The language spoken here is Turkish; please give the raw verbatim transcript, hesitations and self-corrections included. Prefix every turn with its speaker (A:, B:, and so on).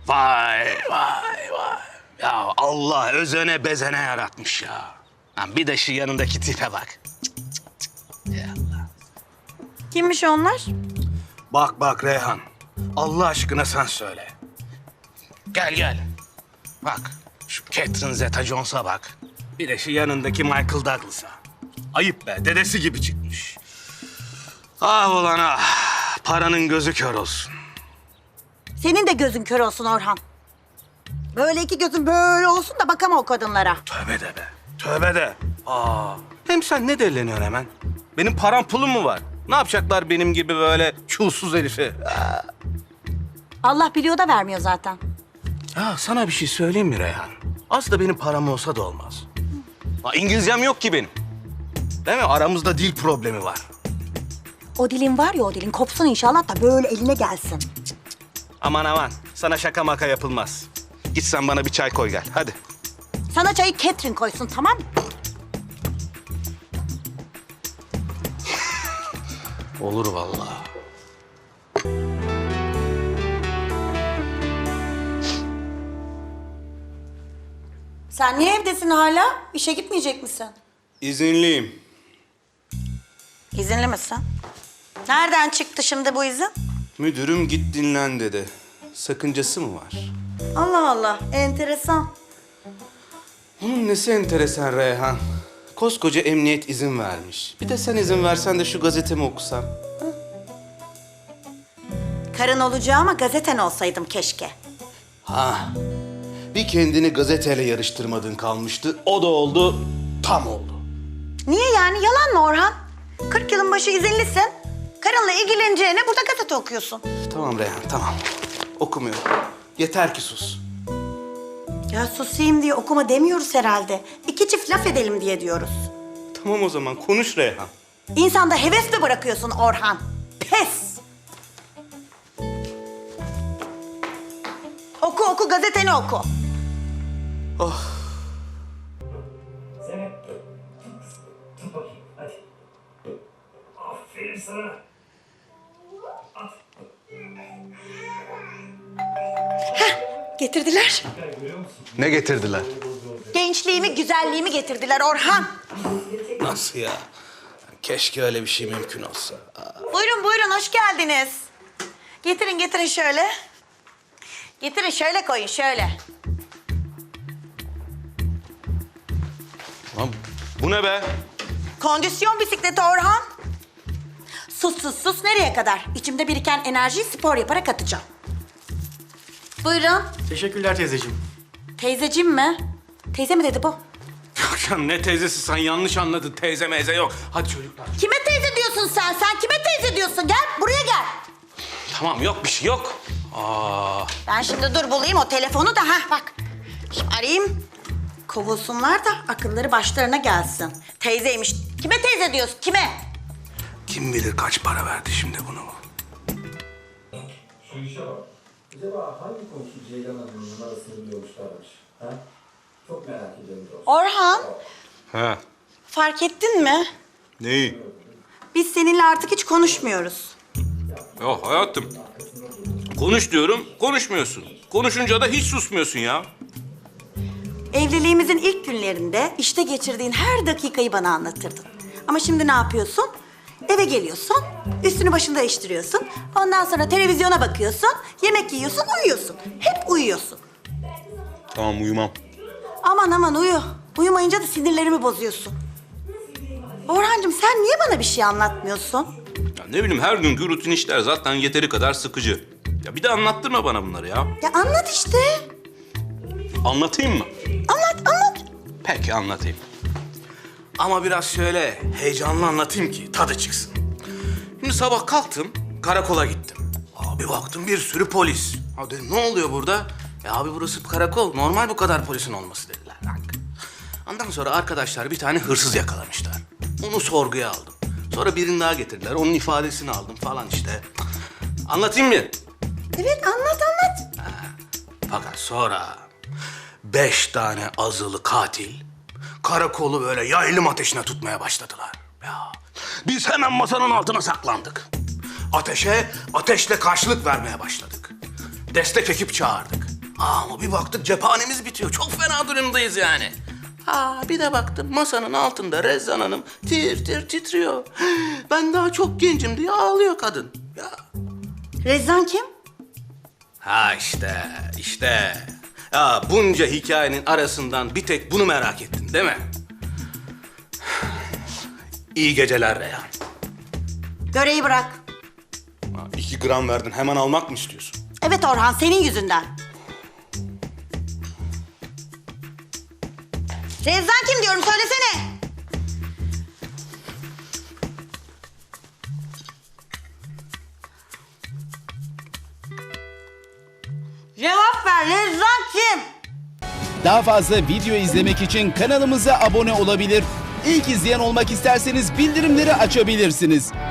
A: Vay vay vay. Ya Allah özene bezene yaratmış ya. Lan bir de şu yanındaki tipe bak. Cık, cık, cık. Ya Allah.
B: Kimmiş onlar?
A: Bak bak Reyhan. Allah aşkına sen söyle. Gel gel. Bak şu Catherine Zeta-Jones'a bak. Bir de şu yanındaki Michael Douglas'a. Ayıp be, dedesi gibi çıkmış. Ah ulan ah. Paranın gözü kör olsun.
B: Senin de gözün kör olsun Orhan. Böyle iki gözün böyle olsun da bakama o kadınlara.
A: Tövbe de be. Tövbe de. Aa. Hem sen ne deleniyorsun hemen? Benim param pulum mu var? Ne yapacaklar benim gibi böyle çulsuz herifi? Aa.
B: Allah biliyor da vermiyor zaten.
A: Ya sana bir şey söyleyeyim mi Reyhan? Az da benim param olsa da olmaz. Ha, İngilizcem yok ki benim. Değil mi? Aramızda dil problemi var.
B: O dilin var ya, o dilin kopsun inşallah da böyle eline gelsin.
A: Aman aman. Sana şaka maka yapılmaz. Git sen bana bir çay koy gel. Hadi.
B: Sana çayı Catherine koysun, tamam mı?
A: Olur vallahi.
B: Sen niye evdesin hala? İşe gitmeyecek misin?
A: İzinliyim.
B: İzinli misin? Nereden çıktı şimdi bu izin?
A: Müdürüm git dinlen dedi. Sakıncası mı var?
B: Allah Allah, enteresan.
A: Bunun nesi enteresan Reyhan? Koskoca emniyet izin vermiş. Bir de sen izin versen de şu gazetemi okusam.
B: Karın olacağıma gazeten olsaydım keşke.
A: Ha. Bir kendini gazeteyle yarıştırmadın kalmıştı. O da oldu, tam oldu.
B: Niye yani? Yalan mı Orhan? kırk yılın başı izinlisin. Karınla ilgileneceğine burada gazete okuyorsun.
A: Tamam Reyhan, tamam. Okumuyorum. Yeter ki sus.
B: Ya susayım diye okuma demiyoruz herhalde. İki çift laf edelim diye diyoruz.
A: Tamam o zaman, konuş Reyhan.
B: İnsanda heves mi bırakıyorsun Orhan? Pes! Oku oku, gazeteni oku.
C: Zeynep. Tut bakayım hadi. Aferin sana. At.
B: Getirdiler.
A: Ne getirdiler?
B: Gençliğimi, güzelliğimi getirdiler Orhan.
A: Nasıl ya? Keşke öyle bir şey mümkün olsa.
B: Buyurun buyurun, hoş geldiniz. Getirin getirin şöyle. Getirin şöyle koyun, şöyle.
A: Lan bu ne be?
B: Kondisyon bisikleti Orhan. Sus sus sus, nereye kadar? İçimde biriken enerjiyi spor yaparak atacağım. Buyurun.
D: Teşekkürler teyzeciğim.
B: Teyzeciğim mi? Teyze mi dedi bu?
A: Ya ne teyzesi, sen yanlış anladın. Teyze meyze yok. Hadi çocuklar.
B: Kime teyze diyorsun sen? Sen kime teyze diyorsun? Gel buraya gel.
A: Tamam, yok bir şey yok. Aa,
B: Ben şimdi dur bulayım o telefonu da, ha bak. Şimdi arayayım. Kovulsunlar da akılları başlarına gelsin. Teyzeymiş. Kime teyze diyorsun? Kime?
A: kim bilir kaç para verdi şimdi bunu.
E: Şu işe bak. Acaba hangi komşu Ceylan Hanım'ın numarasını biliyormuşlarmış? Ha? Çok merak ediyorum dostum.
B: Orhan,
A: He.
B: fark ettin mi?
A: Neyi?
B: Biz seninle artık hiç konuşmuyoruz.
A: Ya hayatım. Konuş diyorum, konuşmuyorsun. Konuşunca da hiç susmuyorsun ya.
B: Evliliğimizin ilk günlerinde işte geçirdiğin her dakikayı bana anlatırdın. Ama şimdi ne yapıyorsun? Eve geliyorsun, üstünü başını değiştiriyorsun. Ondan sonra televizyona bakıyorsun, yemek yiyorsun, uyuyorsun. Hep uyuyorsun.
A: Tamam, uyumam.
B: Aman aman uyu. Uyumayınca da sinirlerimi bozuyorsun. Orhancığım, sen niye bana bir şey anlatmıyorsun?
F: Ya ne bileyim, her günkü rutin işler zaten yeteri kadar sıkıcı. Ya bir de anlattırma bana bunları ya.
B: Ya anlat işte.
F: Anlatayım mı?
B: Anlat, anlat.
A: Peki, anlatayım. Ama biraz şöyle heyecanlı anlatayım ki tadı çıksın. Şimdi sabah kalktım, karakola gittim. Abi baktım bir sürü polis. Abi dedim, ne oluyor burada? Ya abi burası karakol, normal bu kadar polisin olması dediler. Ondan sonra arkadaşlar bir tane hırsız yakalamışlar. Onu sorguya aldım. Sonra birini daha getirdiler, onun ifadesini aldım falan işte. Anlatayım mı?
B: Evet, anlat, anlat.
A: Fakat sonra beş tane azılı katil karakolu böyle yaylım ateşine tutmaya başladılar. Ya biz hemen masanın altına saklandık. Ateşe ateşle karşılık vermeye başladık. Destek ekip çağırdık. Ama bir baktık cephanemiz bitiyor. Çok fena durumdayız yani. Ha bir de baktım masanın altında Rezzan Hanım tir tir titriyor. Ben daha çok gencim diye ağlıyor kadın. Ya.
B: Rezzan kim?
A: Ha işte, işte. Ya bunca hikayenin arasından bir tek bunu merak ettin değil mi? İyi geceler Reyhan.
B: Göreyi bırak.
A: Ha, İki gram verdin hemen almak mı istiyorsun?
B: Evet Orhan, senin yüzünden. Rezzan kim diyorum, söylesene. Cevap ver, Rezzan kim?
D: Daha fazla video izlemek için kanalımıza abone olabilir. İlk izleyen olmak isterseniz bildirimleri açabilirsiniz.